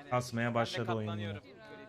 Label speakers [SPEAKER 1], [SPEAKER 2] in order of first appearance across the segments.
[SPEAKER 1] Kasmaya başladı oyun yine.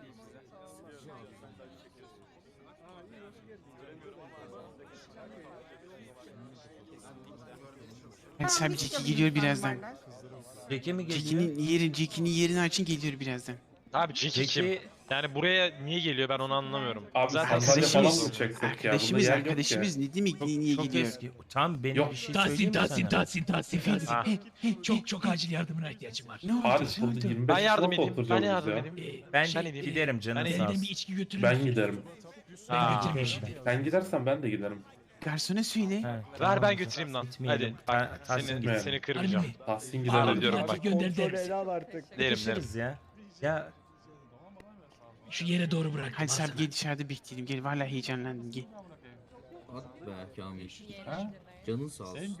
[SPEAKER 2] Hadi Sabi Jackie geliyor birazdan.
[SPEAKER 1] Peki mi geliyor?
[SPEAKER 2] Jackie'nin yerini açın geliyor birazdan.
[SPEAKER 3] Abi Jiki kim?
[SPEAKER 1] Peki
[SPEAKER 3] Yani buraya niye geliyor ben onu anlamıyorum.
[SPEAKER 4] Abi
[SPEAKER 3] Zaten
[SPEAKER 4] sandalye falan mı
[SPEAKER 2] Arkadaşımız,
[SPEAKER 4] çeksek ya? Bunda yer yok ki.
[SPEAKER 2] arkadaşımız ne demek niye
[SPEAKER 1] çok
[SPEAKER 2] gidiyor?
[SPEAKER 1] eski. Tam benim
[SPEAKER 4] Yok.
[SPEAKER 1] bir şey söyleyeyim
[SPEAKER 5] Tahsin,
[SPEAKER 1] mi
[SPEAKER 5] Tahsin,
[SPEAKER 1] sana?
[SPEAKER 5] Tahsin, Tahsin,
[SPEAKER 3] Ha.
[SPEAKER 5] Tahsin. Çok acil yardımına ihtiyacım var.
[SPEAKER 2] Ne oldu?
[SPEAKER 4] Paris
[SPEAKER 2] Ne
[SPEAKER 4] burada
[SPEAKER 2] oldu?
[SPEAKER 4] 25
[SPEAKER 3] ben
[SPEAKER 4] kişi
[SPEAKER 3] yardım
[SPEAKER 4] nasıl
[SPEAKER 3] edeyim. Ben
[SPEAKER 4] oturacağız
[SPEAKER 3] yardım
[SPEAKER 4] ya?
[SPEAKER 3] edeyim.
[SPEAKER 1] Ben
[SPEAKER 3] Sen edeyim.
[SPEAKER 1] giderim canın
[SPEAKER 3] Ben
[SPEAKER 1] sağ
[SPEAKER 5] Benden bir
[SPEAKER 1] olsun.
[SPEAKER 5] içki götürür
[SPEAKER 4] Ben
[SPEAKER 5] müsün?
[SPEAKER 4] giderim.
[SPEAKER 5] Ben
[SPEAKER 3] Ha.
[SPEAKER 5] götüreyim şimdi.
[SPEAKER 4] Sen gidersen ben de giderim.
[SPEAKER 2] Garsona söyle.
[SPEAKER 1] Ha,
[SPEAKER 3] Ver
[SPEAKER 1] tamam.
[SPEAKER 3] ben götüreyim lan.
[SPEAKER 1] Gitmeyelim.
[SPEAKER 3] Hadi bak
[SPEAKER 1] Tahsin
[SPEAKER 3] seni,
[SPEAKER 1] gitsin.
[SPEAKER 3] seni
[SPEAKER 5] Harbi
[SPEAKER 3] kırmayacağım.
[SPEAKER 5] mi?
[SPEAKER 4] Tahsin
[SPEAKER 3] Ağır
[SPEAKER 4] gidelim.
[SPEAKER 3] diyorum
[SPEAKER 5] Hadi
[SPEAKER 3] bak.
[SPEAKER 5] gönder deriz.
[SPEAKER 3] Derim derim.
[SPEAKER 1] Sıkışırız ya. Ya
[SPEAKER 5] Şu yere doğru bırak.
[SPEAKER 2] Hadi Sabi gel dışarıda bekleyelim. Gel vallahi heyecanlandım gel.
[SPEAKER 6] At be Kamil. Canın sağ olsun.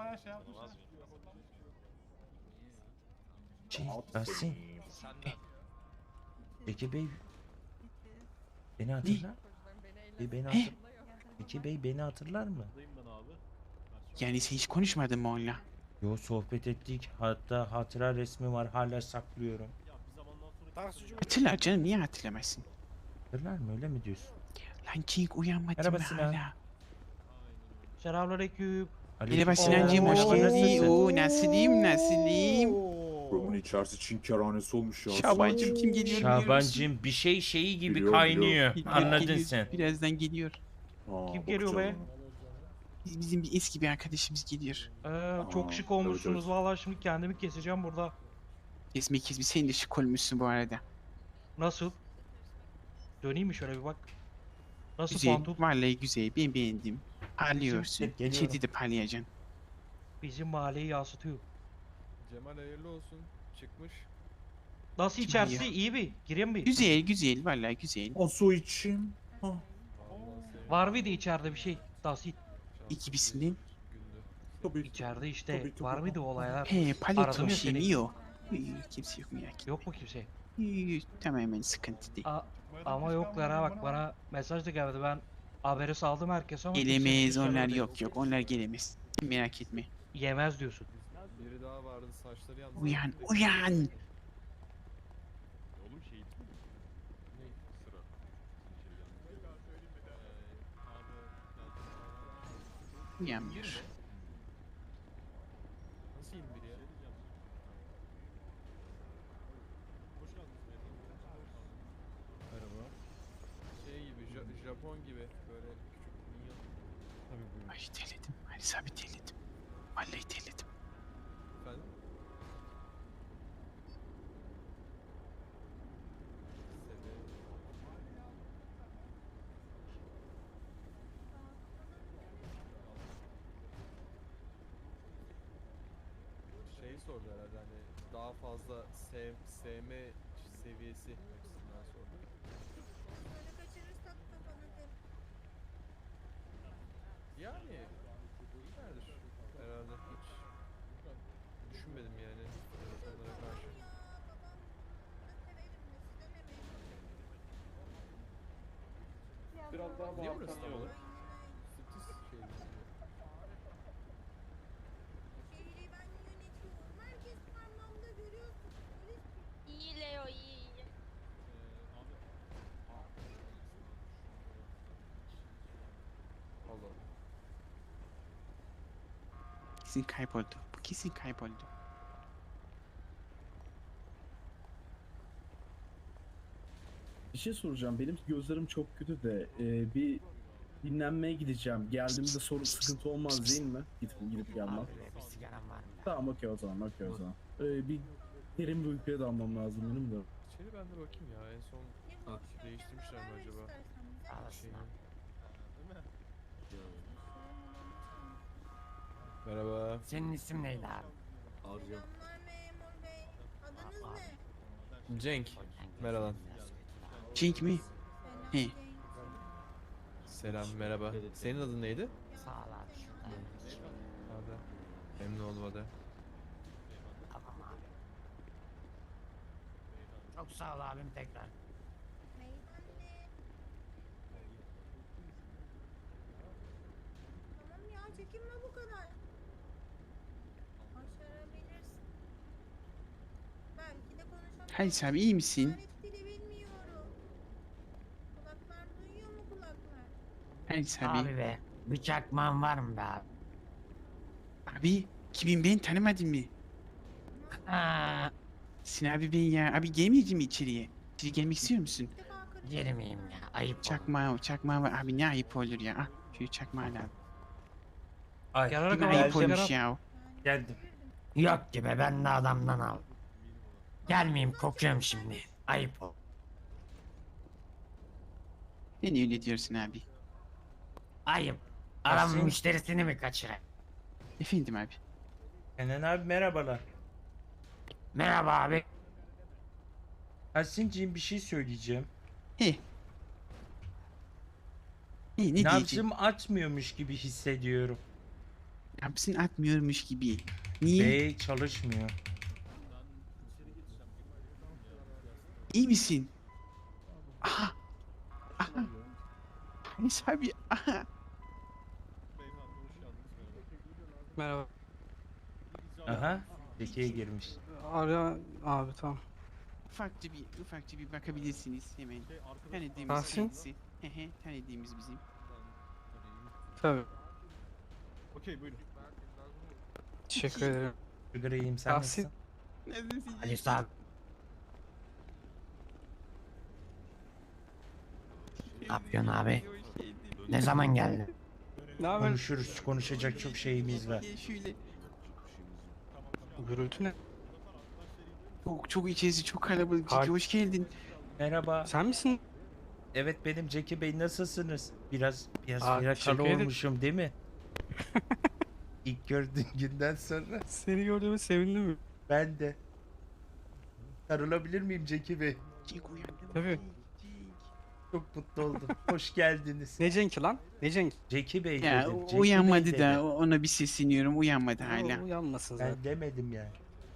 [SPEAKER 1] Tahsin. Peki Bey beni hatırlar? Peki Bey beni hatırlar mı?
[SPEAKER 2] Yani sen hiç konuşmadın mı onunla?
[SPEAKER 1] Yo, sohbet ettik. Hatta hatıra resmi var, hala saklıyorum.
[SPEAKER 2] Hatırlar canım, niye hatırlamazsın?
[SPEAKER 1] Hatırlar mı, öyle mi diyorsun?
[SPEAKER 2] Lan King uyanmadın
[SPEAKER 1] Merhaba
[SPEAKER 2] mı
[SPEAKER 1] Sinan.
[SPEAKER 2] hala?
[SPEAKER 3] Selamünaleyküm.
[SPEAKER 2] Merhaba Sinancığım, hoş
[SPEAKER 1] Oo,
[SPEAKER 2] geldin.
[SPEAKER 1] nasılsın?
[SPEAKER 2] Oo, nasılım?
[SPEAKER 7] Buranın içerisi Çin kerhanesi olmuş ya.
[SPEAKER 2] Şabancığım kim geliyor biliyor musun?
[SPEAKER 1] Şabancığım bir şeyi gibi
[SPEAKER 7] Biliyorum,
[SPEAKER 1] kaynıyor.
[SPEAKER 2] Geliyor,
[SPEAKER 1] Anladın
[SPEAKER 2] geliyor.
[SPEAKER 1] sen.
[SPEAKER 2] Birazdan geliyor.
[SPEAKER 3] Kim geliyor be?
[SPEAKER 2] Bizim bir eski bir arkadaşımız geliyor.
[SPEAKER 3] Çok
[SPEAKER 7] Aa,
[SPEAKER 3] şık olmuşsunuz
[SPEAKER 7] evet.
[SPEAKER 3] vallahi şimdi kendimi keseceğim burada.
[SPEAKER 2] Kesme sen de şık olmuşsun bu arada.
[SPEAKER 3] Nasıl? Döneyim mi şöyle bir bak. Nasıl
[SPEAKER 2] Güzel,
[SPEAKER 3] pantul?
[SPEAKER 2] vallahi güzel, ben beğendim. Parlıyorsun.
[SPEAKER 1] Geliyorum.
[SPEAKER 2] İçeride de parlayacaksın.
[SPEAKER 3] Bizim mahalleyi yansıtıyor.
[SPEAKER 8] Cemal hayırlı olsun. Çıkmış.
[SPEAKER 3] Nasıl
[SPEAKER 2] Kim
[SPEAKER 3] içerisi
[SPEAKER 2] biliyor?
[SPEAKER 3] iyi mi? Gireyim mi?
[SPEAKER 2] Güzel, vallahi güzel.
[SPEAKER 7] O su içeyim.
[SPEAKER 3] Var mıydı içeride bir şey? Nasıl?
[SPEAKER 2] İkisinden.
[SPEAKER 8] Gündü.
[SPEAKER 7] Tabii ki.
[SPEAKER 3] İçeride işte
[SPEAKER 7] Tabii, tabii.
[SPEAKER 3] var mıydı o olaylar?
[SPEAKER 2] He,
[SPEAKER 3] Aradım
[SPEAKER 2] paleto
[SPEAKER 3] ya
[SPEAKER 2] şey
[SPEAKER 3] seni.
[SPEAKER 2] mi yok? Kimse yok merak etme.
[SPEAKER 3] Yok mu kimse?
[SPEAKER 2] Tamamen sıkıntı değil.
[SPEAKER 3] Ama yoklar ha bak bana mesaj da geldi ben haberi saldım herkese ama kimse bir şey
[SPEAKER 2] Gelemez onlar,
[SPEAKER 3] söylemedi.
[SPEAKER 2] yok onlar gelemez. Merak etme.
[SPEAKER 3] Yemez diyorsun.
[SPEAKER 8] Biri daha vardı saçları yandı.
[SPEAKER 2] Uyan. Uyanmıyor.
[SPEAKER 8] Nasıl 21 ya? Merhaba. Şey gibi Japon gibi böyle küçük minyon. Tabii
[SPEAKER 2] Ay terledim. Ali Sabi terledim. Vallahi terledim.
[SPEAKER 8] Efendim? Şey sordu herhalde hani daha fazla sevme seviyesi açısından sordu. Yani iyilerdir herhalde hiç düşünmedim yani onlara karşı.
[SPEAKER 4] Biraz daha
[SPEAKER 8] Niye
[SPEAKER 4] bağırsan
[SPEAKER 8] burası tam
[SPEAKER 4] iyi olur.
[SPEAKER 8] olarak? Striptiz şey mi?
[SPEAKER 9] İyi Leo iyi.
[SPEAKER 8] Allah.
[SPEAKER 2] Kesin kayboldu. Bu kesin kayboldu.
[SPEAKER 10] Bir şey soracağım. Benim gözlerim çok kötü de bir dinlenmeye gideceğim. Geldiğimde sıkıntı olmaz değil mi? Gidip gelmem. Tamam okey o zaman. Bir derin bir uykuya dalmam lazım benim de.
[SPEAKER 8] İçeri ben de bakayım ya en son değiştirmişler mi acaba? Şeyini. Merhaba.
[SPEAKER 5] Senin isim neydi abi?
[SPEAKER 6] Arca.
[SPEAKER 8] Cenk. Merhaba.
[SPEAKER 2] Cenk mi? He.
[SPEAKER 8] Selam merhaba. Senin adın neydi?
[SPEAKER 5] Sağ ol abi şurada.
[SPEAKER 8] Ada. Memnun oldum Ada.
[SPEAKER 5] Tamam abi. Çok sağ ol abim tekrar.
[SPEAKER 9] Tamam ya çekinme bu kadar. Başarabilirsin. Belki de konuşamazsın.
[SPEAKER 2] Halis abi iyi misin?
[SPEAKER 9] İşaret dili bilmiyorum. Kulaklar duyuyor mu kulaklar?
[SPEAKER 2] Halis abi.
[SPEAKER 5] Abi be. Bir çakmağın var mı be abi?
[SPEAKER 2] Abi kimin ben tanımadın mı?
[SPEAKER 5] Aa,
[SPEAKER 2] Sin abi ben ya. Abi gelmeyeceğim mi içeriye? İçeri gelmek istiyor musun?
[SPEAKER 9] Bir defa kırık.
[SPEAKER 5] girmeyeyim ya. Ayıp olur.
[SPEAKER 2] Çakmağı var. Abi ne ayıp olur ya. Ah şöyle çakmağı al abi.
[SPEAKER 1] Ay,
[SPEAKER 3] Yarara
[SPEAKER 2] Ne
[SPEAKER 3] kadar
[SPEAKER 2] ayıp
[SPEAKER 3] sigara-
[SPEAKER 2] olmuş ya.
[SPEAKER 1] geldim.
[SPEAKER 5] Yok gibi ben de adamdan al. Gelmeyeyim kokuyorum şimdi. Ayıp ol.
[SPEAKER 2] Sen öyle diyorsun abi.
[SPEAKER 5] Ayıp. Adam
[SPEAKER 1] Nasıl?
[SPEAKER 5] müşterisini mi kaçırır?
[SPEAKER 2] Efendim abi.
[SPEAKER 1] Kenan abi merhabalar.
[SPEAKER 5] Merhaba abi.
[SPEAKER 1] Tahsin'ciğim bir şey söyleyeceğim.
[SPEAKER 2] He. Ne diyeceğim?
[SPEAKER 1] Nabzım atmıyormuş gibi hissediyorum.
[SPEAKER 2] Nabzın atmıyormuş gibi. Niye?
[SPEAKER 1] Bey çalışmıyor.
[SPEAKER 2] İyi misin? Aha. Aha. Halis abi. Aha.
[SPEAKER 3] Merhaba.
[SPEAKER 1] Aha. Zekiye girmiş.
[SPEAKER 3] Ara abi tamam.
[SPEAKER 2] Ufakça bir bakabilirsiniz hemen. Tanıdığımız
[SPEAKER 3] Tahsin?
[SPEAKER 2] kendisi. Hehe, tanıdığımız bizim.
[SPEAKER 3] Tabii.
[SPEAKER 8] Okey buyurun.
[SPEAKER 3] Teşekkür ederim.
[SPEAKER 1] Sigarayım sen
[SPEAKER 3] Tahsin.
[SPEAKER 1] nasılsın?
[SPEAKER 2] Nasılsın?
[SPEAKER 5] Halis abi. Ne yapıyorsun abi? Ne zaman geldin?
[SPEAKER 3] Ne haber?
[SPEAKER 1] Konuşuruz. Konuşacak çok şeyimiz var.
[SPEAKER 2] Şöyle.
[SPEAKER 3] Gürültü ne?
[SPEAKER 2] Çok içerisi çok kalabalık.
[SPEAKER 3] Har-
[SPEAKER 2] Ciki hoş geldin.
[SPEAKER 1] Merhaba.
[SPEAKER 3] Sen misin?
[SPEAKER 1] Evet benim Zeki Bey nasılsınız? Biraz
[SPEAKER 3] Aa,
[SPEAKER 1] yakalı
[SPEAKER 3] teşekkür ederim.
[SPEAKER 1] olmuşum değil mi? İlk gördüğün günden sonra
[SPEAKER 3] Seni gördüğüme sevindim.
[SPEAKER 1] ben de. Sarılabilir miyim Zeki Bey?
[SPEAKER 2] Cik uyandım.
[SPEAKER 3] Tabii.
[SPEAKER 1] Çok mutlu oldum. Hoş geldiniz.
[SPEAKER 3] Ne Cenk'i lan? Ne Cenk?
[SPEAKER 1] Zeki Bey
[SPEAKER 2] Ya
[SPEAKER 1] dedim. Zeki
[SPEAKER 2] uyanmadı
[SPEAKER 1] Bey
[SPEAKER 2] da
[SPEAKER 1] dedim.
[SPEAKER 2] ona bir sesleniyorum. Uyanmadı hala.
[SPEAKER 3] Uyanmasın zaten.
[SPEAKER 1] Ben demedim yani.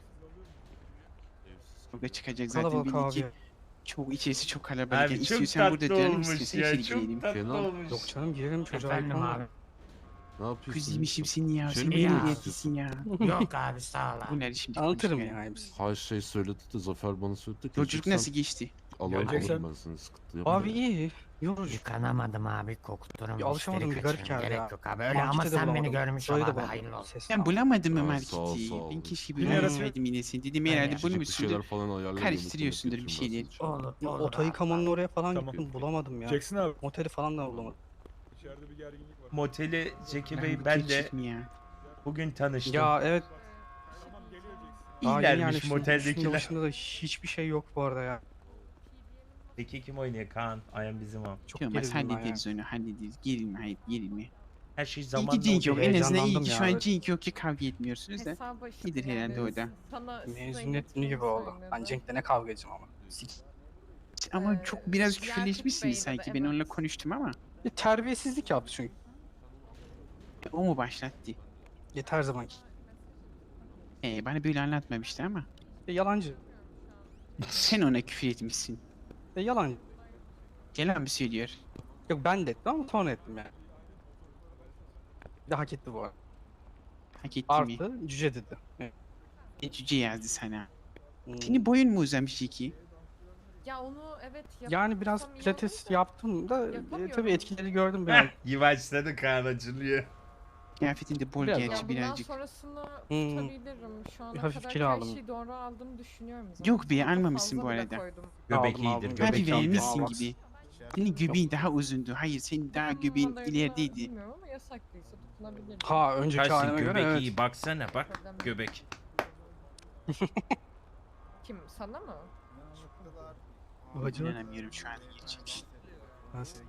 [SPEAKER 2] Kavga çıkacak zaten
[SPEAKER 3] Kalabalık
[SPEAKER 2] belli ki.
[SPEAKER 3] abi.
[SPEAKER 2] Çok içerisi çok kalabalık.
[SPEAKER 1] Abi
[SPEAKER 2] Yani
[SPEAKER 1] çok
[SPEAKER 2] istiyorsan burada
[SPEAKER 1] tatlı
[SPEAKER 2] duralım,
[SPEAKER 1] olmuş
[SPEAKER 2] istiyorsan
[SPEAKER 1] ya.
[SPEAKER 2] içeri
[SPEAKER 1] Çok
[SPEAKER 2] girelim.
[SPEAKER 1] tatlı
[SPEAKER 6] Kenan.
[SPEAKER 1] olmuş.
[SPEAKER 3] Yok canım girelim çocuğa.
[SPEAKER 5] Efendim
[SPEAKER 3] ayıp
[SPEAKER 5] abi.
[SPEAKER 6] Ne yapıyorsun?
[SPEAKER 2] Kız yemişim seni ya.
[SPEAKER 6] Şey
[SPEAKER 2] Sen
[SPEAKER 6] mi
[SPEAKER 2] böyle
[SPEAKER 5] ya?
[SPEAKER 2] neredesin ya?
[SPEAKER 5] Yok abi sağ ol abi.
[SPEAKER 2] Bu nerede şimdi?
[SPEAKER 3] Anlatırım
[SPEAKER 2] konuşmaya?
[SPEAKER 3] ya hepsi.
[SPEAKER 6] Her şey söyledi de Zafer bana söyledi.
[SPEAKER 2] Yolculuk nasıl geçti?
[SPEAKER 6] Alalım
[SPEAKER 8] Geleceksen-
[SPEAKER 6] ben seni sıkıntı yapma.
[SPEAKER 3] Abi iyi. Yorucu.
[SPEAKER 5] Yıkanamadım abi kokturum.
[SPEAKER 3] Bir alışamadım, bir garip geldi ya.
[SPEAKER 5] Gerek yok abi. Öyle ama
[SPEAKER 3] Markete de
[SPEAKER 5] sen beni
[SPEAKER 3] bulamadım.
[SPEAKER 5] görmüş ol
[SPEAKER 3] Burayı da
[SPEAKER 5] abi.
[SPEAKER 3] bulamadım.
[SPEAKER 5] Hayırlı olsun.
[SPEAKER 3] Ses-
[SPEAKER 2] Ben bulamadım mı
[SPEAKER 6] Aa, sağ ol,
[SPEAKER 2] marketi?
[SPEAKER 6] sağ ol.
[SPEAKER 2] Ben keşke
[SPEAKER 3] Bir
[SPEAKER 2] böyle
[SPEAKER 3] ara-
[SPEAKER 2] yapsaydım yine sen. Dedim
[SPEAKER 5] Ben
[SPEAKER 2] herhalde
[SPEAKER 5] ya.
[SPEAKER 2] bunu
[SPEAKER 6] Bir
[SPEAKER 2] musundur?
[SPEAKER 6] şeyler falan ayarlayalım.
[SPEAKER 2] Karıştırıyorsundur bir şeyler.
[SPEAKER 5] Olur
[SPEAKER 3] Ya,
[SPEAKER 5] olur
[SPEAKER 3] oto
[SPEAKER 5] abi.
[SPEAKER 3] yıkamanın oraya falan
[SPEAKER 1] Tamam.
[SPEAKER 3] gittim bulamadım ya.
[SPEAKER 7] Jackson abi.
[SPEAKER 3] Moteli falan da bulamadım.
[SPEAKER 7] İçeride bir gerginlik var.
[SPEAKER 1] Moteli Zeki
[SPEAKER 2] Lan
[SPEAKER 1] Bey
[SPEAKER 2] bu
[SPEAKER 1] ben de
[SPEAKER 2] gerçek mi ya?
[SPEAKER 1] bugün tanıştım.
[SPEAKER 3] Ya evet. Daha yeni
[SPEAKER 1] İyilermiş
[SPEAKER 3] üstünde
[SPEAKER 1] moteldekiler.
[SPEAKER 3] başında da hiçbir şey yok bu arada ya.
[SPEAKER 1] Zeki kim oynuyor? Kaan. Ayhan bizim o.
[SPEAKER 3] Çok
[SPEAKER 2] Olmaz
[SPEAKER 3] gerildim ben ya.
[SPEAKER 2] hallederiz onu hallederiz. Gerilme hayır gerilme.
[SPEAKER 1] Her şey
[SPEAKER 2] İyi
[SPEAKER 1] zamanla
[SPEAKER 2] ki Cenk yok.
[SPEAKER 1] oluyor.
[SPEAKER 2] En azından iyi
[SPEAKER 3] Heyecanlandım
[SPEAKER 2] ki
[SPEAKER 3] ya,
[SPEAKER 2] şu an
[SPEAKER 3] evet.
[SPEAKER 2] Cenk yok ki kavga etmiyorsunuz da. İyidir herhalde o da.
[SPEAKER 3] Mezuniyet günü gibi oldu. Ben Cenk'le ne kavga edeceğim ama.
[SPEAKER 2] Ama çok biraz küfürleşmişsiniz sanki. Ben onunla konuştum ama.
[SPEAKER 3] Terbiyesizlik yaptı çünkü.
[SPEAKER 2] O mu başlattı?
[SPEAKER 3] Yeter zamanki.
[SPEAKER 2] Bana böyle anlatmamıştı ama.
[SPEAKER 3] Yalancı.
[SPEAKER 2] Sen ona küfür etmişsin.
[SPEAKER 3] Yalancı.
[SPEAKER 2] Yalan mı söylüyor?
[SPEAKER 3] Yok ben de ettim ama sonra ettim yani. Bir de hak etti bu arada.
[SPEAKER 2] Hak etti mi?
[SPEAKER 3] Artı cüce dedi. Evet.
[SPEAKER 2] Cüce yazdı sana.
[SPEAKER 3] Hmm.
[SPEAKER 2] Senin boyun mu uzamış iki?
[SPEAKER 9] Ya onu evet
[SPEAKER 3] Yani biraz pilates yaptım da
[SPEAKER 9] Yapamıyorum.
[SPEAKER 3] tabii etkileri gördüm ben.
[SPEAKER 1] Heh, yavaşladı Kaan acılıyor.
[SPEAKER 2] Kıyafetin de bol
[SPEAKER 3] Biraz
[SPEAKER 2] gerçi
[SPEAKER 3] daha.
[SPEAKER 2] birazcık.
[SPEAKER 9] sonrasını
[SPEAKER 3] Hmm.
[SPEAKER 9] tutabilirim. Şu ana
[SPEAKER 3] Bir hafif
[SPEAKER 9] kadar
[SPEAKER 3] kilo
[SPEAKER 9] her
[SPEAKER 3] aldım.
[SPEAKER 9] şeyi doğru aldığımı düşünüyorum zaten.
[SPEAKER 2] Yok be,
[SPEAKER 9] Çok da
[SPEAKER 2] almamışsın
[SPEAKER 9] fazla
[SPEAKER 2] bu
[SPEAKER 9] bile
[SPEAKER 2] arada.
[SPEAKER 9] koydum.
[SPEAKER 1] Göbek
[SPEAKER 3] Aldım,
[SPEAKER 1] iyidir.
[SPEAKER 3] aldım.
[SPEAKER 1] Göbek
[SPEAKER 2] Hadi
[SPEAKER 3] aldım,
[SPEAKER 2] vermişsin
[SPEAKER 3] aldım.
[SPEAKER 2] gibi. Senin göbeğin daha uzundu. Hayır senin daha göbeğin
[SPEAKER 9] Kadarıyla
[SPEAKER 2] ilerideydi.
[SPEAKER 9] Bilmiyorum ama yasaklıysa dokunabilirim.
[SPEAKER 3] Ha önceki
[SPEAKER 1] Tahsin
[SPEAKER 3] halime göre
[SPEAKER 1] göbek
[SPEAKER 3] evet.
[SPEAKER 1] iyi. Baksana bak.
[SPEAKER 9] Problem yok.
[SPEAKER 1] Göbek.
[SPEAKER 9] Kim? Sana mı?
[SPEAKER 3] Hacı.
[SPEAKER 2] İnanamıyorum şu an gerçek.
[SPEAKER 3] Nasıl?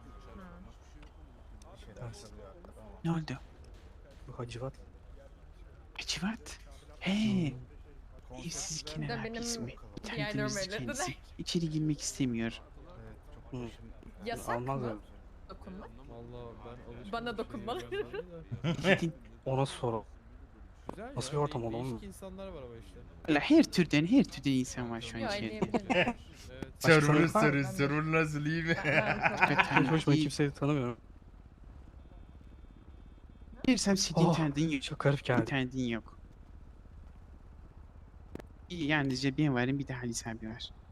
[SPEAKER 2] Ne oldu?
[SPEAKER 3] Bu Hacivat.
[SPEAKER 2] Hacivat. He. Evsiz
[SPEAKER 9] De
[SPEAKER 2] kenar
[SPEAKER 9] benim
[SPEAKER 2] ismi.
[SPEAKER 9] diğerlerim
[SPEAKER 2] Tanıdığımız
[SPEAKER 9] öyle
[SPEAKER 2] kendisi.
[SPEAKER 9] dediler.
[SPEAKER 2] İçeri girmek istemiyor.
[SPEAKER 9] Yasak
[SPEAKER 3] Almaz
[SPEAKER 9] mı?
[SPEAKER 3] öyle.
[SPEAKER 9] Dokunmak.
[SPEAKER 8] Vallahi ben alışmadım.
[SPEAKER 9] Bana dokunmalı.
[SPEAKER 2] Gidin.
[SPEAKER 3] Ona soru.
[SPEAKER 8] Güzel
[SPEAKER 3] Nasıl
[SPEAKER 8] ya,
[SPEAKER 3] bir ortam
[SPEAKER 8] değişik
[SPEAKER 3] oğlum?
[SPEAKER 8] insanlar var ama işte.
[SPEAKER 2] Valla her türden insan var şu an
[SPEAKER 9] Yok
[SPEAKER 2] içeride.
[SPEAKER 9] elleyebilirim.
[SPEAKER 8] Evet.
[SPEAKER 3] Başka
[SPEAKER 1] Server
[SPEAKER 3] sorun var mı?
[SPEAKER 1] server nasıl iyi mi?
[SPEAKER 3] Hiç hoşuma kimseyi tanımıyorum.
[SPEAKER 2] Girsem senin
[SPEAKER 3] Oh,
[SPEAKER 2] tanıdığın yok.
[SPEAKER 3] Çok garip
[SPEAKER 2] Bir
[SPEAKER 3] geldi.
[SPEAKER 2] tanıdığın yok. Yalnızca ben varım bir de Halis abi var.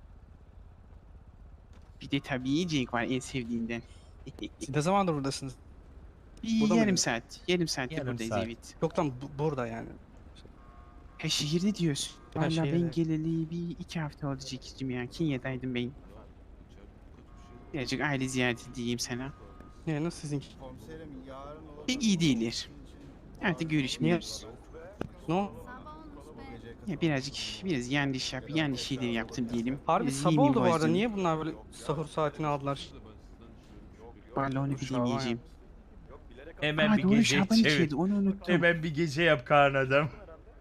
[SPEAKER 2] Bir de tabii yiyecek var en sevdiğinden.
[SPEAKER 3] Siz ne zamandır buradasınız? Burada
[SPEAKER 2] yarım
[SPEAKER 3] mıydın?
[SPEAKER 2] saat. Yarım saattir
[SPEAKER 1] Yarım
[SPEAKER 2] buradayız
[SPEAKER 1] saat.
[SPEAKER 2] evet.
[SPEAKER 3] Yok lan burada yani.
[SPEAKER 2] Ha şehirde diyorsun.
[SPEAKER 3] Ha,
[SPEAKER 2] Valla ben
[SPEAKER 3] şehirde.
[SPEAKER 2] geleli bir 2 hafta oldu Jack'cim ya. Kenya'daydım ben. Birazcık aile ziyareti diyeyim sana.
[SPEAKER 3] Ne nasıl sizinki?
[SPEAKER 2] Pek iyi değiller. Artık görüşmüyoruz.
[SPEAKER 3] Ne o?
[SPEAKER 2] Ya biraz yanlış şeyler yaptım diyelim.
[SPEAKER 3] Harbi
[SPEAKER 2] Biraz
[SPEAKER 3] sabah
[SPEAKER 2] yemin
[SPEAKER 3] oldu bu arada.
[SPEAKER 2] bozdum.
[SPEAKER 3] Niye bunlar böyle sahur saatini aldılar?
[SPEAKER 2] Vallahi onu
[SPEAKER 3] Şaban ya.
[SPEAKER 2] bilemeyeceğim.
[SPEAKER 1] Hemen
[SPEAKER 2] Aa
[SPEAKER 1] bir
[SPEAKER 2] doğru
[SPEAKER 1] gece
[SPEAKER 2] Şaban
[SPEAKER 1] çevir.
[SPEAKER 2] içeride onu unuttum.
[SPEAKER 1] Hemen bir gece yap Kaan adam.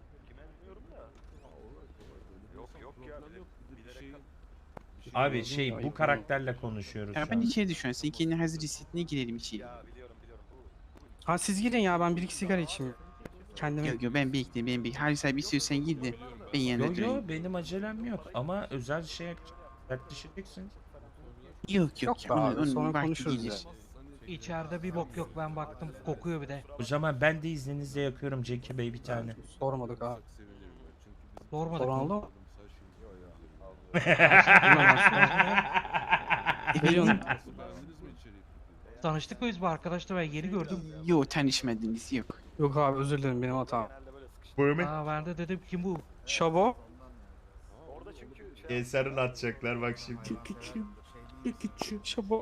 [SPEAKER 1] Abi bu karakterle konuşuyoruz şu
[SPEAKER 2] Şaban
[SPEAKER 1] an.
[SPEAKER 2] içeride şu an. Sen kendini hazır hissettiğine girelim içeri.
[SPEAKER 3] Ha siz girin ya ben bir iki sigara içeyim. Kendime.
[SPEAKER 2] Yok ben bekleyeyim. Halis abi istiyorsan gir de ben yanında
[SPEAKER 1] Yo
[SPEAKER 2] durayım.
[SPEAKER 1] yo benim acelem yok ama özel şey yaklaşacaksın.
[SPEAKER 2] Yok
[SPEAKER 3] Yok be
[SPEAKER 2] onun,
[SPEAKER 3] abi,
[SPEAKER 2] onun
[SPEAKER 3] sonra
[SPEAKER 2] vakti
[SPEAKER 3] konuşuruz
[SPEAKER 2] gelir.
[SPEAKER 3] ya. İçeride bir bok yok ben baktım kokuyor bir de.
[SPEAKER 1] O zaman ben de izninizle yakıyorum Jackie Bey bir tane.
[SPEAKER 3] Sormadık abi. Sormadık.
[SPEAKER 8] Soran
[SPEAKER 3] Soran oldu.
[SPEAKER 2] Efendim?
[SPEAKER 3] Tanıştık mı biz bu arkadaşla ben yeni gördüm.
[SPEAKER 2] Yok tanışmadınız yok.
[SPEAKER 3] Yok abi özür dilerim benim hatam.
[SPEAKER 1] Buyurun.
[SPEAKER 3] Aa ben de dedim kim bu? Şabo.
[SPEAKER 1] Eser'in atacaklar bak şimdi.
[SPEAKER 3] Şabo.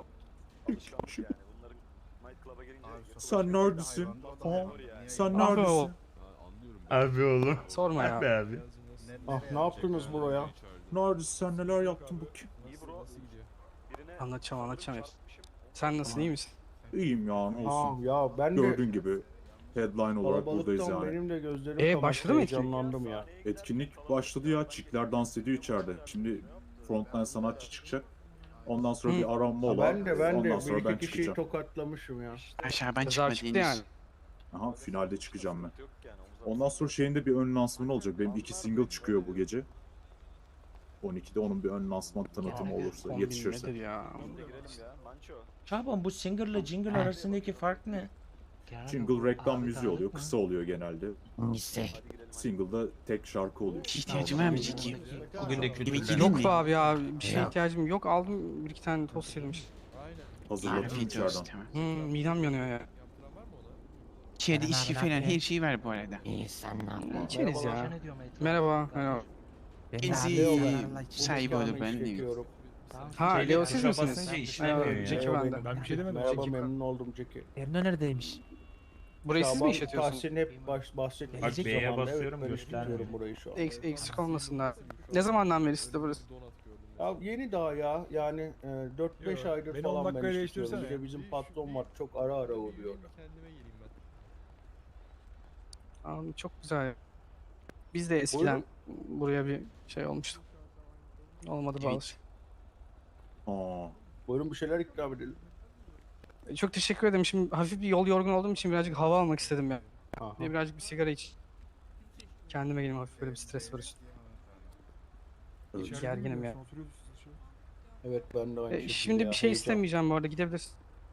[SPEAKER 7] Sen neredesin? Ha? Sen
[SPEAKER 3] Abi
[SPEAKER 7] neredesin?
[SPEAKER 3] o.
[SPEAKER 1] Abi oğlum.
[SPEAKER 3] Sorma ya.
[SPEAKER 1] Abi abi.
[SPEAKER 7] Ah ne yaptınız buraya? Neredesin sen neler yaptın bakayım?
[SPEAKER 3] Anlatacağım hepsini. Sen nasılsın iyi misin?
[SPEAKER 7] İyiyim ya ne olsun.
[SPEAKER 11] Ya ben de
[SPEAKER 7] Gördüğün gibi headline olarak buradayız
[SPEAKER 11] kalabalıktan
[SPEAKER 7] yani.
[SPEAKER 11] benim de gözlerim kamaştı,
[SPEAKER 3] başladı mı etkinlik?
[SPEAKER 11] heyecanlandım ya.
[SPEAKER 7] Etkinlik başladı ya. Çikler dans ediyor içeride. Şimdi frontline sanatçı çıkacak. Ondan sonra
[SPEAKER 3] Hı.
[SPEAKER 7] bir aranma olur.
[SPEAKER 11] Ben de
[SPEAKER 7] Ondan
[SPEAKER 11] bir
[SPEAKER 7] sonra
[SPEAKER 11] iki
[SPEAKER 7] ben
[SPEAKER 11] kişiyi
[SPEAKER 7] çıkacağım.
[SPEAKER 11] tokatlamışım ya.
[SPEAKER 2] Aşağı ben
[SPEAKER 3] Ceza
[SPEAKER 2] çıkmadı
[SPEAKER 3] çıktı
[SPEAKER 2] henüz.
[SPEAKER 3] yani.
[SPEAKER 7] Aha finalde çıkacağım ben. Ondan sonra şeyin de bir ön lansmanı olacak. Benim 2 single çıkıyor bu gece. 12'de onun bir ön lansman tanıtımı olursa,
[SPEAKER 3] Kombin
[SPEAKER 7] yetişirse.
[SPEAKER 3] nedir ya?
[SPEAKER 1] Şaban bu singer'la jingle arasındaki fark ne?
[SPEAKER 7] Jingle reklam müziği oluyor. Kısa oluyor genelde.
[SPEAKER 5] İşte.
[SPEAKER 7] Single'da tek şarkı oluyor.
[SPEAKER 2] İhtiyacım var mı Ciki?
[SPEAKER 1] Bugün de
[SPEAKER 2] Yemek
[SPEAKER 1] kültürden.
[SPEAKER 2] yedin
[SPEAKER 3] Yok
[SPEAKER 2] mi?
[SPEAKER 3] be abi ya bir şeye
[SPEAKER 5] Yok.
[SPEAKER 3] ihtiyacım yok aldım bir iki tane tost yedim işte.
[SPEAKER 7] Hazırladım
[SPEAKER 2] Afiyet olsun
[SPEAKER 7] içeriden.
[SPEAKER 2] tamam.
[SPEAKER 3] Midem yanıyor ya.
[SPEAKER 2] İçeride
[SPEAKER 5] Merhaba,
[SPEAKER 2] içki
[SPEAKER 5] ne
[SPEAKER 2] falan
[SPEAKER 5] yapıyorsun?
[SPEAKER 2] her şey var bu arada.
[SPEAKER 5] İyi sen ne yapıyorsun?
[SPEAKER 3] İçeriz ya. Merhaba. Merhaba.
[SPEAKER 5] Ben de
[SPEAKER 2] Kendisi
[SPEAKER 5] abi,
[SPEAKER 11] ben.
[SPEAKER 5] Allah için.
[SPEAKER 2] sahibi olur
[SPEAKER 11] Kahve
[SPEAKER 2] ben de.
[SPEAKER 11] çekiyorum.
[SPEAKER 3] Ha
[SPEAKER 1] Şeyle
[SPEAKER 3] Leo siz
[SPEAKER 1] tuşa
[SPEAKER 3] misiniz?
[SPEAKER 1] basınca işlemiyor
[SPEAKER 3] Merhaba,
[SPEAKER 1] ya.
[SPEAKER 3] Jackie
[SPEAKER 11] Leo
[SPEAKER 3] ben de.
[SPEAKER 11] benim.
[SPEAKER 7] Ben bir şey demedim.
[SPEAKER 11] Merhaba memnun oldum Jackie.
[SPEAKER 5] Erno neredeymiş?
[SPEAKER 3] Burayı siz mi
[SPEAKER 11] Şaban
[SPEAKER 3] işletiyorsunuz?
[SPEAKER 11] Tahsin hep bahsettiği
[SPEAKER 1] Bak, B'ye
[SPEAKER 11] zamanda
[SPEAKER 1] basıyorum,
[SPEAKER 11] ben
[SPEAKER 1] göstermiyor.
[SPEAKER 11] işletiyorum burayı şu an.
[SPEAKER 3] Eksik olmasınlar. Ne zamandan beri sizde burası?
[SPEAKER 11] Ya yeni daha ya yani 4-5 aydır
[SPEAKER 7] beni
[SPEAKER 11] falan
[SPEAKER 7] 10 dakikaya
[SPEAKER 11] ben işletiyorum. Bir
[SPEAKER 7] değiştirsene.
[SPEAKER 11] de bizim patron var çok ara uğruyor.
[SPEAKER 8] Kendime geleyim ben.
[SPEAKER 3] Aa, çok güzel. Biz de eskiden buraya bir şey olmuştu. Olmadı
[SPEAKER 2] Evet.
[SPEAKER 3] bazı şey.
[SPEAKER 7] Aa,
[SPEAKER 11] Buyurun bir şeyler ikram edelim.
[SPEAKER 3] Çok teşekkür ederim. Şimdi hafif bir yol yorgun olduğum için birazcık hava almak istedim ya.
[SPEAKER 11] Aha.
[SPEAKER 3] Bir de birazcık bir sigara iç. Kendime geleyim hafif böyle bir stres var üstümde.
[SPEAKER 7] evet.
[SPEAKER 3] Gerginim ya.
[SPEAKER 11] Evet ben de aynı şekilde
[SPEAKER 3] Şimdi
[SPEAKER 11] ya,
[SPEAKER 3] bir şey
[SPEAKER 11] heyecan.
[SPEAKER 3] istemeyeceğim bu arada gidebilirsin.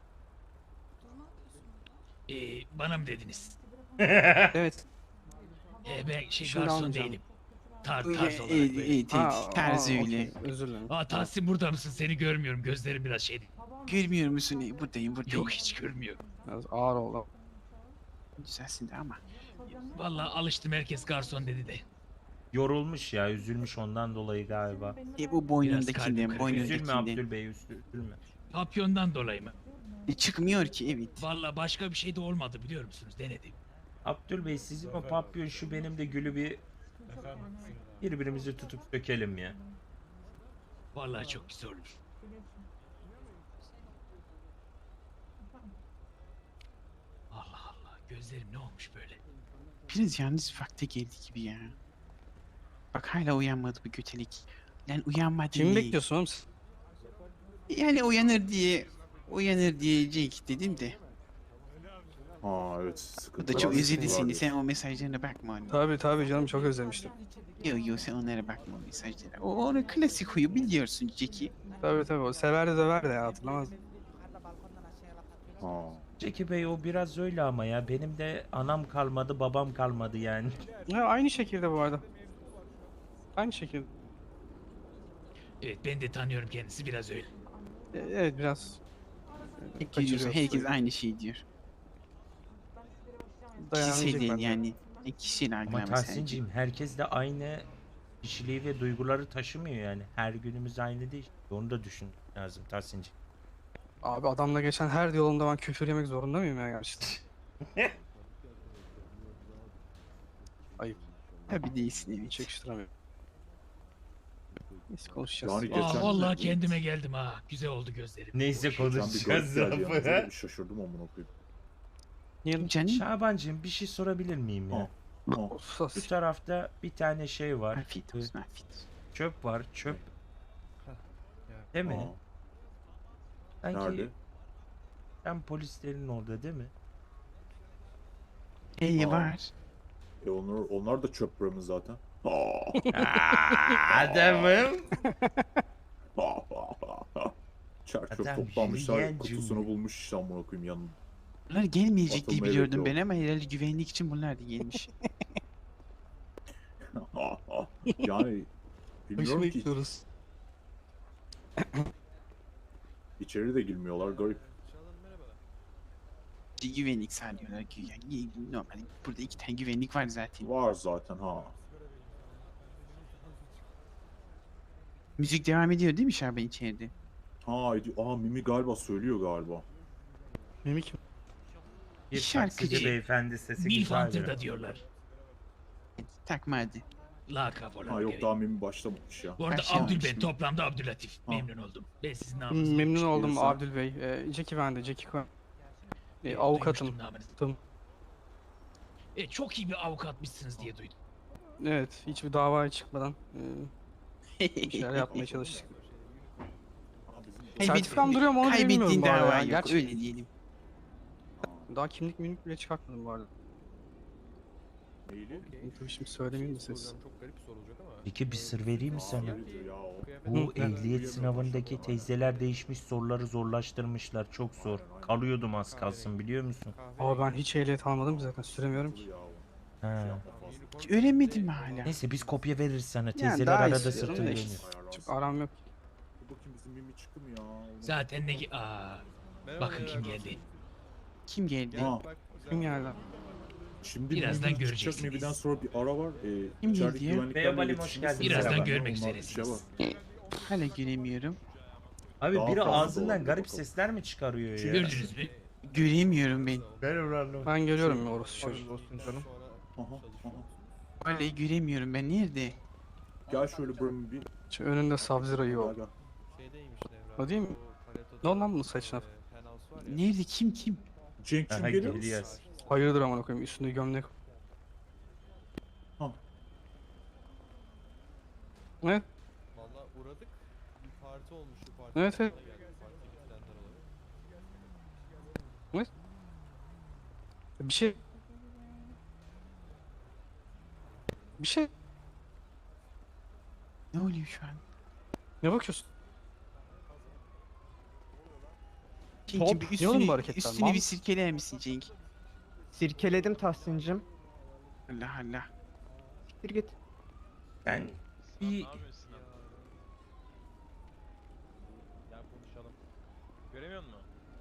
[SPEAKER 12] Bana mı dediniz?
[SPEAKER 3] Evet.
[SPEAKER 12] Ben
[SPEAKER 3] Şimdi
[SPEAKER 12] garson
[SPEAKER 3] almayacağım.
[SPEAKER 12] değilim. Tarz
[SPEAKER 2] Evet,
[SPEAKER 12] olarak böyle.
[SPEAKER 2] evet, tarzı öyle.
[SPEAKER 3] okey. Özür dilerim.
[SPEAKER 12] Tahsin burada mısın? Seni görmüyorum. Gözlerim biraz şeydi.
[SPEAKER 2] Görmüyor musun? Buradayım.
[SPEAKER 12] Yok hiç görmüyorum.
[SPEAKER 3] Biraz ağır oldu.
[SPEAKER 2] Güzelsin de ama.
[SPEAKER 12] Vallahi alıştım herkes garson dedi de.
[SPEAKER 1] Yorulmuş ya, üzülmüş ondan dolayı galiba.
[SPEAKER 2] Bu
[SPEAKER 12] kalbim
[SPEAKER 2] boynundakinden,
[SPEAKER 12] kırık.
[SPEAKER 1] Üzülme
[SPEAKER 2] boynundakinden.
[SPEAKER 1] Abdül üzülme.
[SPEAKER 12] Papyondan dolayı mı?
[SPEAKER 2] Çıkmıyor ki evet.
[SPEAKER 12] Vallahi başka bir şey de olmadı biliyor musunuz? Denedim.
[SPEAKER 1] Abdül Bey sizin o papyon şu benim de gülü bir birbirimizi tutup sökelim ya.
[SPEAKER 12] Vallahi çok güzel olur. Allah Allah. Gözlerim ne olmuş böyle?
[SPEAKER 2] Biraz yalnız vakti geldi gibi ya. Bak hala uyanmadı bu götelik. Lan uyanmadı.
[SPEAKER 3] Kimi bekliyorsun oğlum sen?
[SPEAKER 2] Yani uyanır diyecek dedim de.
[SPEAKER 7] Aa evet.
[SPEAKER 2] O
[SPEAKER 7] Sıkıntı
[SPEAKER 2] da çok
[SPEAKER 7] var,
[SPEAKER 2] özledi
[SPEAKER 7] sıkıntı var
[SPEAKER 2] seni.
[SPEAKER 7] diyorsun.
[SPEAKER 2] Sen o mesajlarına bakma onun.
[SPEAKER 3] Tabii canım çok özlemiştim.
[SPEAKER 2] Yok sen onlara bakma o mesajlara. O onun klasik huyu biliyorsun Jackie.
[SPEAKER 3] Tabii o sever de döver de ya hatırlamaz.
[SPEAKER 7] Aa.
[SPEAKER 1] Jackie Bey o biraz öyle ama ya benim de anam kalmadı babam kalmadı yani.
[SPEAKER 3] Ya aynı şekilde bu arada. Aynı şekilde.
[SPEAKER 12] Evet ben de tanıyorum kendisi biraz öyle.
[SPEAKER 3] Evet biraz
[SPEAKER 2] Tek gidiyorsa
[SPEAKER 3] kaçırıyoruz.
[SPEAKER 2] herkes aynı şey diyor.
[SPEAKER 3] Dayanamayacak
[SPEAKER 2] Kişisel değil
[SPEAKER 3] bence.
[SPEAKER 2] yani. Kişisel
[SPEAKER 1] Ama
[SPEAKER 2] algılama sadece.
[SPEAKER 1] Tahsin'cim herkes de aynı kişiliği ve duyguları taşımıyor yani. Her günümüz aynı değil. Onu da düşün lazım Tahsin'cim.
[SPEAKER 3] Abi adamla geçen her diyalogumda ben küfür yemek zorunda mıyım ya gerçekten? Ayıp.
[SPEAKER 2] Tabii değilsin evet.
[SPEAKER 3] Hiç yakıştıramıyorum. Neyse konuşacağız.
[SPEAKER 7] Yani geçen
[SPEAKER 12] Vallahi kendime geldim ha. Güzel oldu gözlerim.
[SPEAKER 1] Neyse
[SPEAKER 7] geçen bir garip
[SPEAKER 1] konuşacağız
[SPEAKER 7] geldi yalnız. Öyle
[SPEAKER 1] lafı.
[SPEAKER 7] bir şaşırdım amına koyayım.
[SPEAKER 3] Niye?
[SPEAKER 2] Canım.
[SPEAKER 1] Şabancığım bir şey sorabilir miyim ya?
[SPEAKER 7] Ha. Ha.
[SPEAKER 3] Sus.
[SPEAKER 1] Bu tarafta bir tane şey var.
[SPEAKER 2] Afiyet olsun afiyet olsun.
[SPEAKER 1] Çöp var. Çöp. Değil mi?
[SPEAKER 7] Ha.
[SPEAKER 1] Sanki
[SPEAKER 7] Nerede?
[SPEAKER 1] ben polislerin orada değil mi?
[SPEAKER 2] İyi
[SPEAKER 7] Aa.
[SPEAKER 2] var.
[SPEAKER 7] Onlar da çöp bırakın zaten.
[SPEAKER 1] Adamım.
[SPEAKER 7] Çer çöp
[SPEAKER 1] Adam
[SPEAKER 7] toplanmışlar,
[SPEAKER 1] yürüyen
[SPEAKER 7] kutusunu
[SPEAKER 1] cümle.
[SPEAKER 7] bulmuş işte amına koyayım yanına.
[SPEAKER 2] Bunlar gelmeyecek diye
[SPEAKER 7] Atılmaya
[SPEAKER 2] biliyordum
[SPEAKER 7] bekliyor.
[SPEAKER 2] ben ama herhalde güvenlik için bunlar da gelmiş.
[SPEAKER 7] Yani bilmiyorum ki
[SPEAKER 3] bekliyoruz.
[SPEAKER 7] içeri de girmiyorlar garip.
[SPEAKER 2] Güvenlik sağlıyorlar güya. Normal. Burada 2 tane güvenlik var zaten.
[SPEAKER 7] Var zaten ha.
[SPEAKER 2] Müzik devam ediyor değil mi Şaban içeride?
[SPEAKER 7] Mimi galiba söylüyor galiba.
[SPEAKER 3] Mimik
[SPEAKER 1] Bir
[SPEAKER 2] Şarkıcı.
[SPEAKER 1] taksici beyefendi sesi
[SPEAKER 12] Milf
[SPEAKER 1] güzel.
[SPEAKER 12] Hunter'da diyorlar.
[SPEAKER 2] Takma hadi.
[SPEAKER 12] Lakap olarak.
[SPEAKER 7] Yok
[SPEAKER 12] evet.
[SPEAKER 7] daha Mimi başlamamış ya.
[SPEAKER 12] Bu arada
[SPEAKER 2] Başlamamış
[SPEAKER 12] Abdül ben
[SPEAKER 2] mı?
[SPEAKER 12] toplamda Abdülatif.
[SPEAKER 7] Ha.
[SPEAKER 12] Memnun oldum. Ben sizin namınızı
[SPEAKER 3] memnun oldum
[SPEAKER 7] Diyorsan.
[SPEAKER 3] Abdül Bey. Jackie ben de Jackie Cohen. Avukatım.
[SPEAKER 12] Çok iyi bir avukatmışsınız diye duydum.
[SPEAKER 3] Evet hiçbir davaya çıkmadan bir şeyler yapmaya çalıştık. Sertifikam duruyor mu onu bile bilmiyorum
[SPEAKER 2] Kaybettiğin
[SPEAKER 3] bu arada
[SPEAKER 2] dava
[SPEAKER 3] ya.
[SPEAKER 2] yok
[SPEAKER 3] Gerçi
[SPEAKER 2] öyle diyelim.
[SPEAKER 3] daha kimlik mimlik bile çıkartmadım bu arada.
[SPEAKER 7] Neyli?
[SPEAKER 3] Tabii şimdi söylemeyeyim de ses.
[SPEAKER 8] Çok garip bir soru olacak ama.
[SPEAKER 1] Peki bir sır vereyim mi sana?
[SPEAKER 7] Ya o.
[SPEAKER 1] Bu ehliyet sınavındaki teyzeler değişmiş, soruları zorlaştırmışlar. Çok zor. Kalıyordum az kalsın biliyor musun?
[SPEAKER 3] Ama ben hiç ehliyet almadım ki zaten süremiyorum ki.
[SPEAKER 7] Ya o.
[SPEAKER 1] Ha.
[SPEAKER 2] Hiç öğrenmedin mi hala?
[SPEAKER 1] Neyse biz kopya veririz sana.
[SPEAKER 3] Yani
[SPEAKER 1] Teyzeler
[SPEAKER 3] daha
[SPEAKER 1] arada
[SPEAKER 3] istiyorum da
[SPEAKER 1] sırtını
[SPEAKER 3] işte.
[SPEAKER 1] dönüyor.
[SPEAKER 3] Çok aram yok.
[SPEAKER 7] Dur bakayım bizim Mimi çıktı mı ya?
[SPEAKER 12] Zaten ne... Aa, bakın kim geldi.
[SPEAKER 2] Kim geldi?
[SPEAKER 7] Ha.
[SPEAKER 3] Kim geldi?
[SPEAKER 7] Şimdi
[SPEAKER 12] Birazdan
[SPEAKER 7] Mimi çıkacak,
[SPEAKER 12] göreceksiniz.
[SPEAKER 7] Mimi'den sonra bir ara var.
[SPEAKER 2] Kim
[SPEAKER 7] İçerideki
[SPEAKER 2] geldi ya?
[SPEAKER 7] güvenliklerle
[SPEAKER 1] Merhaba, hoş
[SPEAKER 7] iletişim
[SPEAKER 1] geldiniz.
[SPEAKER 7] sırasında
[SPEAKER 12] Birazdan
[SPEAKER 7] onlar
[SPEAKER 12] görmek
[SPEAKER 7] bir şey
[SPEAKER 12] üzeresiniz.
[SPEAKER 7] var.
[SPEAKER 2] Hala göremiyorum.
[SPEAKER 1] Abi
[SPEAKER 7] Daha
[SPEAKER 1] biri
[SPEAKER 7] fazla
[SPEAKER 1] ağzından
[SPEAKER 7] olabilir
[SPEAKER 1] garip
[SPEAKER 7] bakalım.
[SPEAKER 1] sesler mi çıkarıyor ya?
[SPEAKER 12] Gördünüz mü?
[SPEAKER 2] Göremiyorum ben.
[SPEAKER 3] Ben görüyorum ya orası çocuğu.
[SPEAKER 7] Aha, aha.
[SPEAKER 2] Hala göremiyorum ben nerede?
[SPEAKER 7] Gel şöyle buranın bir.
[SPEAKER 3] Şu önünde Sub-Zero
[SPEAKER 7] Gel
[SPEAKER 3] yok.
[SPEAKER 7] gel.
[SPEAKER 8] Şeydeymiş Nevra.
[SPEAKER 3] O değil mi? Ne oldu lan bunun saçına?
[SPEAKER 8] Penthouse var ya.
[SPEAKER 2] Nerede kim?
[SPEAKER 7] Cenk kim
[SPEAKER 1] Aha,
[SPEAKER 7] geliyor?
[SPEAKER 1] geliyor.
[SPEAKER 3] Hayırdır amına koyayım üstünde gömlek.
[SPEAKER 7] Ha.
[SPEAKER 3] Evet.
[SPEAKER 8] Valla uğradık. Bir parti olmuştu. Parti
[SPEAKER 3] Evet, evet.
[SPEAKER 8] Partiye gidenler olarak.
[SPEAKER 3] Bir şey... Bir şey...
[SPEAKER 2] Ne oluyor şu an?
[SPEAKER 3] Ne bakıyorsun?
[SPEAKER 2] Cenk'im bir
[SPEAKER 3] ne oğlum bu
[SPEAKER 2] üstünü,
[SPEAKER 3] hareketler,
[SPEAKER 2] üstünü
[SPEAKER 3] mal
[SPEAKER 2] bir
[SPEAKER 3] mısın?
[SPEAKER 2] sirkeler misin Cenk?
[SPEAKER 11] Sirkeledim Tahsin'cim.
[SPEAKER 2] Allah Allah.
[SPEAKER 11] Siktir git.
[SPEAKER 1] Ben bir
[SPEAKER 8] Gel konuşalım. Göremiyor musun?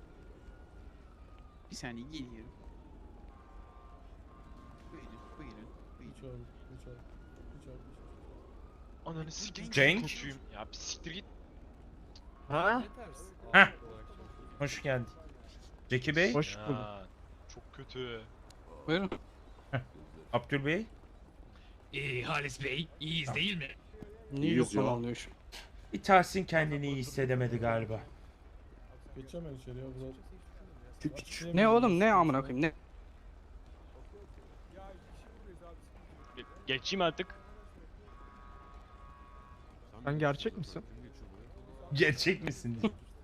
[SPEAKER 2] Bir saniye geliyorum. Buyurun.
[SPEAKER 13] Ananı sikeyim.
[SPEAKER 1] Cenk?
[SPEAKER 13] Kötüyüm. Ya bir siktir git.
[SPEAKER 11] Ha?
[SPEAKER 1] Heh. Hoş geldin. Zeki Bey,
[SPEAKER 11] Hoş bulduk.
[SPEAKER 13] Ya, çok kötü.
[SPEAKER 3] Buyurun.
[SPEAKER 1] Abdül Bey.
[SPEAKER 12] Halis Bey, iyiyiz değil mi?
[SPEAKER 3] Niye
[SPEAKER 7] İyiyiz
[SPEAKER 3] yoklama
[SPEAKER 7] ya.
[SPEAKER 3] alınıyor şu?
[SPEAKER 1] Bir Tahsin kendini iyi hissedemedi galiba.
[SPEAKER 8] Geçemem içeriye bu
[SPEAKER 3] Ne oğlum ne amına koyayım ne?
[SPEAKER 13] Geçeyim artık.
[SPEAKER 11] Sen gerçek misin?
[SPEAKER 1] Gerçek misin?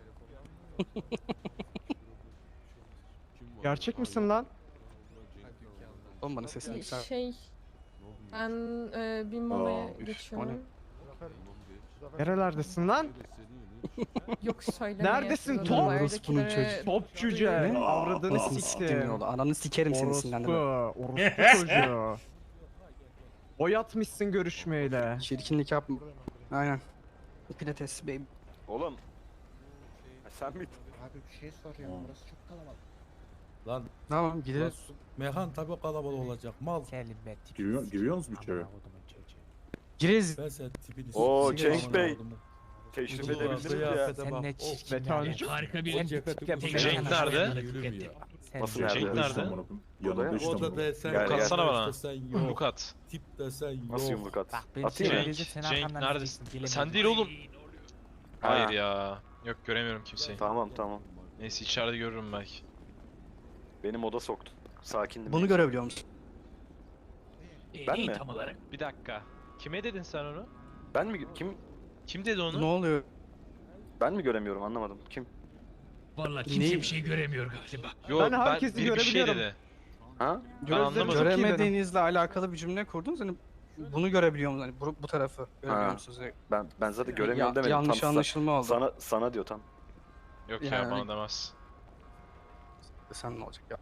[SPEAKER 11] Gerçek misin lan?
[SPEAKER 3] Oğlum bana sesini yüksel.
[SPEAKER 9] Ben bir
[SPEAKER 7] molaya
[SPEAKER 3] geçiyorum.
[SPEAKER 11] Nerelerdesin lan?
[SPEAKER 9] Yok söyle.
[SPEAKER 11] Neredesin top?
[SPEAKER 3] Orospunun çocuğu.
[SPEAKER 11] Top cüce.
[SPEAKER 7] Ne?
[SPEAKER 11] Avradını
[SPEAKER 3] Nasıl siktim ne oldu? Ananı sikerim seni
[SPEAKER 11] Orospu.
[SPEAKER 3] sinirlendirme.
[SPEAKER 11] Orospu çocuğu. Oy atmışsın görüşmeyle.
[SPEAKER 3] Çirkinlik yapma. Aynen. Pilates baby.
[SPEAKER 13] Oğlum.
[SPEAKER 14] Sen mi?
[SPEAKER 11] Abi bir şey soruyorum. Burası çok kalabalık.
[SPEAKER 8] Lan
[SPEAKER 3] Tamam gideriz.
[SPEAKER 8] mekan tabii kalabalık olacak. Mal.
[SPEAKER 7] Giriyor musunuz içeri?
[SPEAKER 3] Gireriz.
[SPEAKER 8] Ben sen tipini
[SPEAKER 14] Oo,
[SPEAKER 8] sikeyim,
[SPEAKER 14] Cenk
[SPEAKER 8] amına
[SPEAKER 14] Bey.
[SPEAKER 8] kodumun.
[SPEAKER 14] Teşrif
[SPEAKER 8] Ulan
[SPEAKER 14] edebildiniz ya.
[SPEAKER 8] kıyafete
[SPEAKER 12] Sen
[SPEAKER 8] bak.
[SPEAKER 12] ne
[SPEAKER 8] Of,
[SPEAKER 12] çirkin
[SPEAKER 8] be
[SPEAKER 12] ya.
[SPEAKER 8] tanrıcım.
[SPEAKER 12] Harika bir
[SPEAKER 8] O ceketi
[SPEAKER 12] tek
[SPEAKER 8] bu-
[SPEAKER 13] Cenk nerede?
[SPEAKER 8] Yürü ya.
[SPEAKER 7] Nasıl
[SPEAKER 13] Cenk
[SPEAKER 7] nerede?
[SPEAKER 13] nerede?
[SPEAKER 7] Yanında
[SPEAKER 14] Burada ya.
[SPEAKER 7] işte
[SPEAKER 8] O da
[SPEAKER 7] bu.
[SPEAKER 8] desen
[SPEAKER 14] Gel,
[SPEAKER 8] yok.
[SPEAKER 14] gel.
[SPEAKER 13] Atsana bana.
[SPEAKER 8] Desen yok.
[SPEAKER 13] Yumruk at.
[SPEAKER 8] Tip desen yok.
[SPEAKER 14] Nasıl yumruk at?
[SPEAKER 12] Bak ben
[SPEAKER 14] Atayım mı?
[SPEAKER 13] Cenk neredesin? Sen değil oğlum. Hayır
[SPEAKER 14] Ha.
[SPEAKER 13] ya. Yok göremiyorum kimseyi.
[SPEAKER 14] Tamam tamam.
[SPEAKER 13] Neyse içeride görürüm belki.
[SPEAKER 14] Benim oda soktu. Sakindim.
[SPEAKER 3] Bunu görebiliyor musun?
[SPEAKER 14] Ben
[SPEAKER 12] neyi
[SPEAKER 14] mi?
[SPEAKER 12] tam olarak?
[SPEAKER 13] Bir dakika. Kime dedin sen onu?
[SPEAKER 14] Ben mi? Kim?
[SPEAKER 13] Kim dedi
[SPEAKER 3] Ne
[SPEAKER 13] onu?
[SPEAKER 3] oluyor?
[SPEAKER 14] Ben mi göremiyorum anlamadım. Kim?
[SPEAKER 12] Vallahi kimse bir şey göremiyor galiba.
[SPEAKER 13] Yo ben bir şey dedi.
[SPEAKER 14] Ha?
[SPEAKER 13] Ben anlamadım.
[SPEAKER 3] Göremediğinizle alakalı bir cümle kurdunuz. Hani bunu görebiliyor musunuz? Hani bu tarafı görebiliyor
[SPEAKER 14] Ha.
[SPEAKER 3] musunuz?
[SPEAKER 14] Ben zaten göremiyorum demedim.
[SPEAKER 3] Yanlış
[SPEAKER 14] Tam
[SPEAKER 3] anlaşılma oldu.
[SPEAKER 14] sana diyor tam.
[SPEAKER 13] Yok ya
[SPEAKER 3] Yani-
[SPEAKER 13] bana demez.
[SPEAKER 3] Sen ne olacak ya?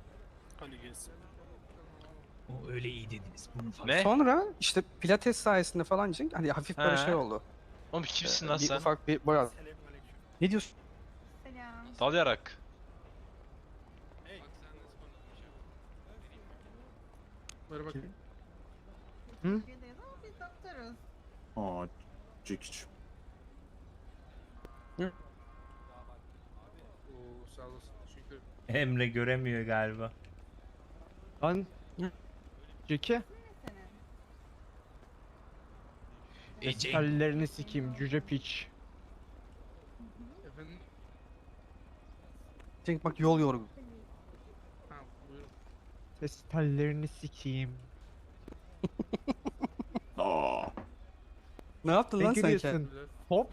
[SPEAKER 12] O öyle iyi dediniz. Bunun farkı.
[SPEAKER 13] Ne?
[SPEAKER 3] Sonra işte pilates sayesinde falan Cenk hani hafif böyle
[SPEAKER 13] He.
[SPEAKER 3] şey oldu.
[SPEAKER 13] Oğlum kimsin lan
[SPEAKER 3] Bir
[SPEAKER 13] sen?
[SPEAKER 3] ufak bir boya. Ne diyorsun?
[SPEAKER 9] Selam.
[SPEAKER 13] Dalayarak.
[SPEAKER 9] Türkiye'deyiz ama biz doktoruz.
[SPEAKER 7] Aa, Cekiç.
[SPEAKER 1] Emre göremiyor galiba.
[SPEAKER 8] Lan. Ceki.
[SPEAKER 9] Senin.
[SPEAKER 12] Cenk,
[SPEAKER 8] Ellerini sikeyim cüce piç.
[SPEAKER 3] Cenk bak yol yorgun.
[SPEAKER 8] Ses tellerini sikeyim.
[SPEAKER 7] Aa,
[SPEAKER 3] Ne yaptın lan sen ki?
[SPEAKER 8] Hop.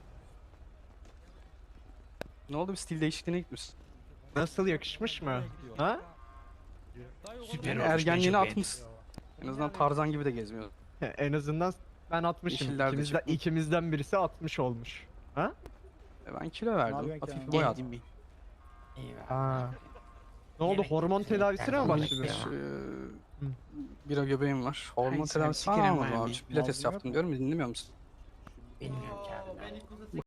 [SPEAKER 3] Ne oldu bir stil değişikliğine gitmişsin?
[SPEAKER 8] Nasıl yakışmış mı? Ha?
[SPEAKER 12] süper
[SPEAKER 3] Yani
[SPEAKER 12] olmuş. ben
[SPEAKER 3] ergenliğini
[SPEAKER 12] çok
[SPEAKER 3] atmışsın. En azından Tarzan gibi de gezmiyor.
[SPEAKER 8] En azından ben 60'ım.
[SPEAKER 3] Yeşiller de çıkmış.
[SPEAKER 8] İkimizden birisi 60 olmuş.
[SPEAKER 3] Ben kilo verdim. Hafif bir boy attım.
[SPEAKER 8] Ha. Ne oldu? Hormon tedavisine mi başladın?
[SPEAKER 3] Bira göbeğim var. Hormon
[SPEAKER 2] Ay, sen
[SPEAKER 3] tedavisi falan
[SPEAKER 2] sikerim
[SPEAKER 3] almadım
[SPEAKER 2] abi.
[SPEAKER 3] abi. Pilates yaptım diyorum ya dinlemiyor musun?
[SPEAKER 5] Bilmiyorum ki abi.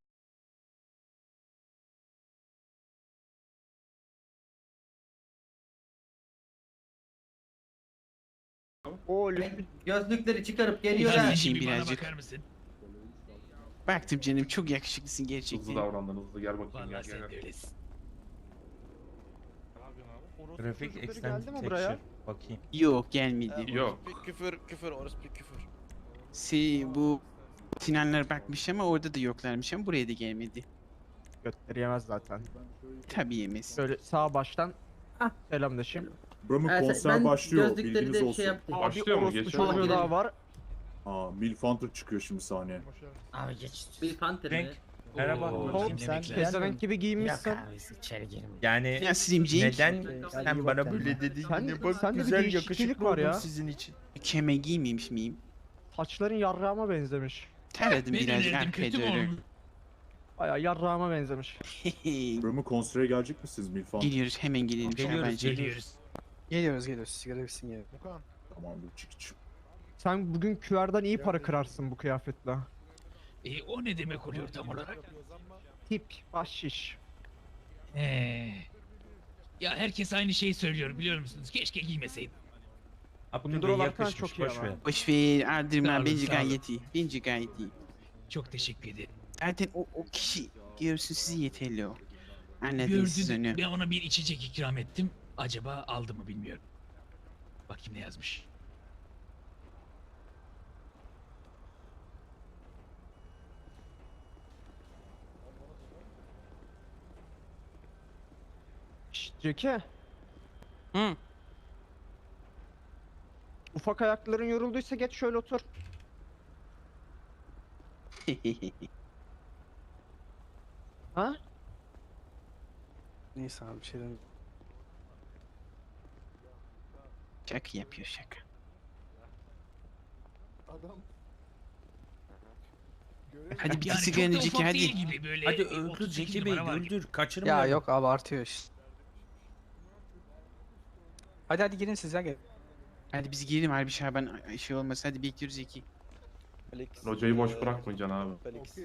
[SPEAKER 8] O
[SPEAKER 11] Gözlükleri çıkarıp
[SPEAKER 2] Biraz
[SPEAKER 11] geliyorlar.
[SPEAKER 2] içeyim
[SPEAKER 12] Bir bana
[SPEAKER 2] birazcık.
[SPEAKER 12] bakar mısın?
[SPEAKER 2] Baktım canım çok yakışıklısın gerçekten.
[SPEAKER 4] davrandın hızlı gel bakayım
[SPEAKER 12] Vallahi sen de öylesin.
[SPEAKER 1] Grafik
[SPEAKER 8] geldi
[SPEAKER 1] extended
[SPEAKER 8] mi
[SPEAKER 1] texture.
[SPEAKER 8] buraya?
[SPEAKER 1] Bakayım.
[SPEAKER 2] Yok gelmedi.
[SPEAKER 4] Yok.
[SPEAKER 6] Küfür orası bir küfür.
[SPEAKER 2] Bu Sinanlar bakmış ama orada da yoklarmış ama buraya da gelmedi.
[SPEAKER 8] Götleri yemez zaten.
[SPEAKER 2] Tabii yemez.
[SPEAKER 8] Böyle sağ baştan selamlaşayım.
[SPEAKER 7] Buramın konser başlıyor bilginiz olsun.
[SPEAKER 4] Başlıyor mu?
[SPEAKER 8] Orospu
[SPEAKER 4] Geçiyor mu?
[SPEAKER 8] çocuğu daha var.
[SPEAKER 7] Aa, Milf Hunter çıkıyor şimdi sahneye.
[SPEAKER 5] Abi geç.
[SPEAKER 11] Bir panter mi?
[SPEAKER 1] Cenk merhaba.
[SPEAKER 8] Hop sen
[SPEAKER 12] Demek lazım.
[SPEAKER 8] pezevenk gibi
[SPEAKER 5] Yok
[SPEAKER 8] giyinmişsin.
[SPEAKER 5] abi içeri girmiyor.
[SPEAKER 1] Yani
[SPEAKER 2] Ya Slimcik
[SPEAKER 1] neden sen bana böyle dedin?
[SPEAKER 8] Sen-
[SPEAKER 1] Yine bak
[SPEAKER 8] sende bir
[SPEAKER 1] güzel
[SPEAKER 8] değişiklik
[SPEAKER 1] yakışıklı
[SPEAKER 8] var
[SPEAKER 1] oldum
[SPEAKER 8] ya.
[SPEAKER 1] sizin için.
[SPEAKER 2] kemer giymemiş miyim?
[SPEAKER 8] Saçların yarrağıma benzemiş.
[SPEAKER 2] Taradım
[SPEAKER 12] Ben
[SPEAKER 2] birazcık
[SPEAKER 12] önerdim
[SPEAKER 2] arkaya
[SPEAKER 12] kötü mü
[SPEAKER 2] doğru.
[SPEAKER 12] oldu?
[SPEAKER 8] Baya yarrağıma benzemiş.
[SPEAKER 7] Buramın konsere gelecek misiniz Milf Hunter?
[SPEAKER 2] Geliyoruz hemen gelelim.
[SPEAKER 1] Geliyoruz,
[SPEAKER 2] bence.
[SPEAKER 12] Geliyoruz.
[SPEAKER 3] Geliyoruz. Sigara bitsin geliyor.
[SPEAKER 7] Tamamdır Cekiç.
[SPEAKER 8] Sen bugün QR'dan iyi para kırarsın bu kıyafetle.
[SPEAKER 12] O ne demek oluyor tam olarak?
[SPEAKER 8] Tip, bahşiş.
[SPEAKER 12] Ya herkes aynı şeyi söylüyor biliyor musunuz? Keşke giymeseydim.
[SPEAKER 1] Abdülbey
[SPEAKER 8] Dolarken
[SPEAKER 1] yakışmış
[SPEAKER 8] çok iyi
[SPEAKER 1] boş
[SPEAKER 8] ama.
[SPEAKER 1] ver.
[SPEAKER 2] Boş ver ardırma
[SPEAKER 12] Sağ olun,
[SPEAKER 2] bence
[SPEAKER 12] sağ olun.
[SPEAKER 2] gayet iyi. Bence gayet iyi.
[SPEAKER 12] Çok teşekkür ederim.
[SPEAKER 2] Zaten o kişi görsün sizi yeterli o. Anladınız siz
[SPEAKER 12] Gördü,
[SPEAKER 2] onu.
[SPEAKER 12] ben ona bir içecek ikram ettim. Acaba aldı mı bilmiyorum. Bakayım ne yazmış.
[SPEAKER 8] Şşt Ceki.
[SPEAKER 3] Hı.
[SPEAKER 8] Ufak ayakların yorulduysa geç şöyle otur. Ha?
[SPEAKER 3] Neyse abi bir şey demiyorum.
[SPEAKER 2] Şaka yapıyor şaka.
[SPEAKER 11] Adam.
[SPEAKER 2] Hadi bir
[SPEAKER 12] Yani
[SPEAKER 2] sigara
[SPEAKER 12] çok da
[SPEAKER 2] önceki
[SPEAKER 12] ufak
[SPEAKER 2] hadi.
[SPEAKER 12] değil gibi böyle.
[SPEAKER 1] Hadi
[SPEAKER 12] 38
[SPEAKER 1] öldür Zeki Bey
[SPEAKER 12] numara var gibi.
[SPEAKER 1] öldür kaçırma.
[SPEAKER 3] Ya yok abartıyor işte. Hadi girin siz ya gel.
[SPEAKER 2] Hadi biz girelim Harbi Şaban şey olmasa hadi bekliyoruz Zeki.
[SPEAKER 4] Hocayı boş bırakmayacaksın abi.